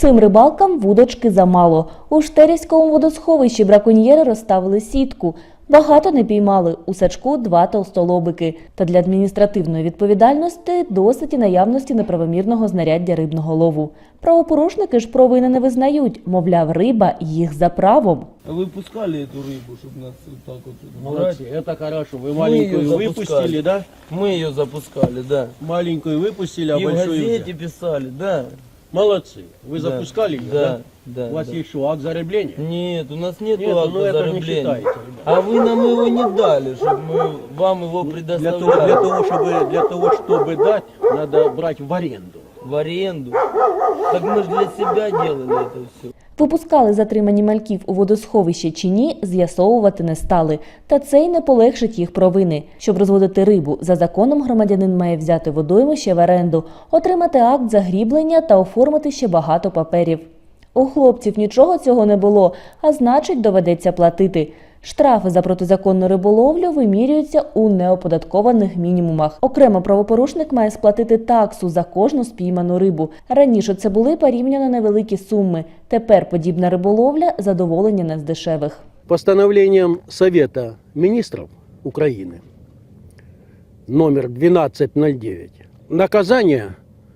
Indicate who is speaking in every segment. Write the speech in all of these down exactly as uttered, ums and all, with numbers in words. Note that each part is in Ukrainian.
Speaker 1: Цим рибалкам вудочки замало. У Штерівському водосховищі браконьєри розставили сітку. Багато не піймали, у сачку два толстолобики. Та для адміністративної відповідальності досить і наявності неправомірного знаряддя рибного лову. Правопорушники ж провини не визнають, мовляв, риба їх за правом.
Speaker 2: А вы пускали эту рыбу, чтобы нас вот так вот
Speaker 3: Молодцы,
Speaker 2: брать?
Speaker 3: это хорошо. Вы
Speaker 2: Мы
Speaker 3: маленькую
Speaker 2: её
Speaker 3: выпустили,
Speaker 2: запускали.
Speaker 3: да?
Speaker 2: Мы ее запускали, да.
Speaker 3: Маленькую выпустили, а
Speaker 2: И в
Speaker 3: большую
Speaker 2: газете
Speaker 3: взяли.
Speaker 2: писали, да.
Speaker 3: Молодцы. Вы
Speaker 2: Да.
Speaker 3: запускали ее,
Speaker 2: Да,
Speaker 3: да?
Speaker 2: да,
Speaker 3: У вас
Speaker 2: да.
Speaker 3: есть что, акт зарыбления?
Speaker 2: Нет, у нас нет
Speaker 3: Нет, ну
Speaker 2: акта
Speaker 3: это же не
Speaker 2: зарубления.
Speaker 3: считается, ребята.
Speaker 2: А вы нам его не дали, чтобы мы вам его
Speaker 3: Для
Speaker 2: предоставляли.
Speaker 3: того, для того, чтобы, для того, чтобы дать, надо брать в аренду.
Speaker 2: В аренду. Так мы же для себя делали это все.
Speaker 1: Випускали затримані мальків у водосховище чи ні, з'ясовувати не стали. Та це й не полегшить їх провини. Щоб розводити рибу, за законом громадянин має взяти водоймище в оренду, отримати акт загріблення та оформити ще багато паперів. У хлопців нічого цього не було, а значить доведеться платити. Штрафи за протизаконну риболовлю вимірюються у неоподаткованих мінімумах. Окремо правопорушник має сплатити таксу за кожну спійману рибу. Раніше це були порівняно невеликі суми. Тепер подібна риболовля – задоволення не з дешевих.
Speaker 3: Постановлением Совета Министров Украины номер двенадцать ноль девять наказание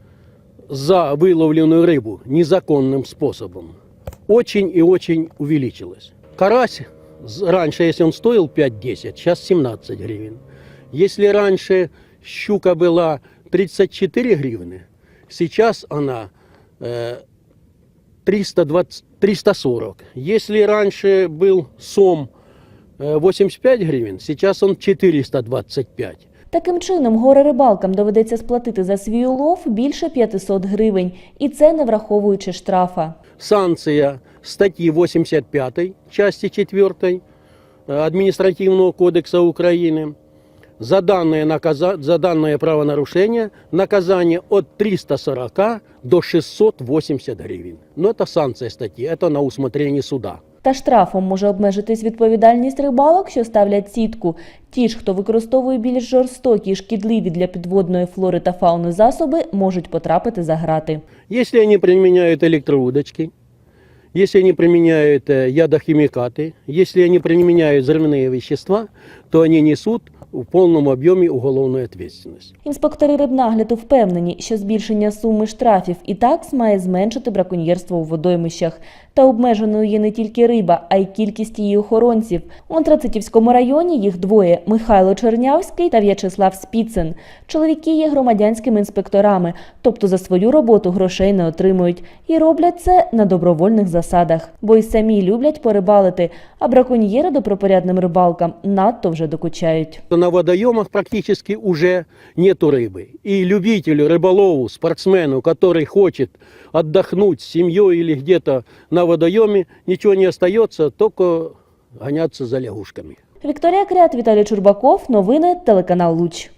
Speaker 3: за выловленную рыбу незаконным способом очень и очень увеличилось. Карась раньше, если он стоил пять-десять, сейчас семнадцать гривен. Если раньше щука была тридцать четыре гривны, сейчас она э, триста двадцать, триста сорок. Если раньше был сом э, восемьдесят пять гривен, сейчас он четыреста двадцать пять.
Speaker 1: Таким чином, горе-рибалкам доведеться сплатити за свій улов більше п'ятисот гривень. І це не враховуючи штрафа.
Speaker 3: Санкция статьи восемьдесят пятой, части четвёртой э, Административного кодекса Украины за данное, наказа... за данное правонарушение наказание от триста сорока до шестисот восьмидесяти гривен. Но это санкция статьи, это на усмотрение суда.
Speaker 1: Та штрафом може обмежитись відповідальність рибалок, що ставлять сітку. Ті ж, хто використовує більш жорстокі і шкідливі для підводної флори та фауни засоби, можуть потрапити за грати.
Speaker 3: Если они применяют электроудочки, если они применяют э, ядохимикаты, если они применяют взрывные вещества, то они несут у повному об'ємі уголовну відповідальність.
Speaker 1: Інспектори рибнагляду впевнені, що збільшення суми штрафів і такс має зменшити браконьєрство у водоймищах. Та обмеженою є не тільки риба, а й кількість її охоронців. У Антрацитівському районі їх двоє – Михайло Чернявський та В'ячеслав Спіцин. Чоловіки є громадянськими інспекторами, тобто за свою роботу грошей не отримують. І роблять це на добровольних засадах. Бо й самі люблять порибалити, а браконьєри добропорядним рибалкам надто вже докучають.
Speaker 3: На водоемах практически уже нету рыбы. И любителю, рыболову, спортсмену, который хочет отдохнуть с семьей или где-то на водоеме, ничего не остается, только гоняться за лягушками.
Speaker 1: Вікторія Крят, Віталій Чурбаков. Новини телеканал Луч.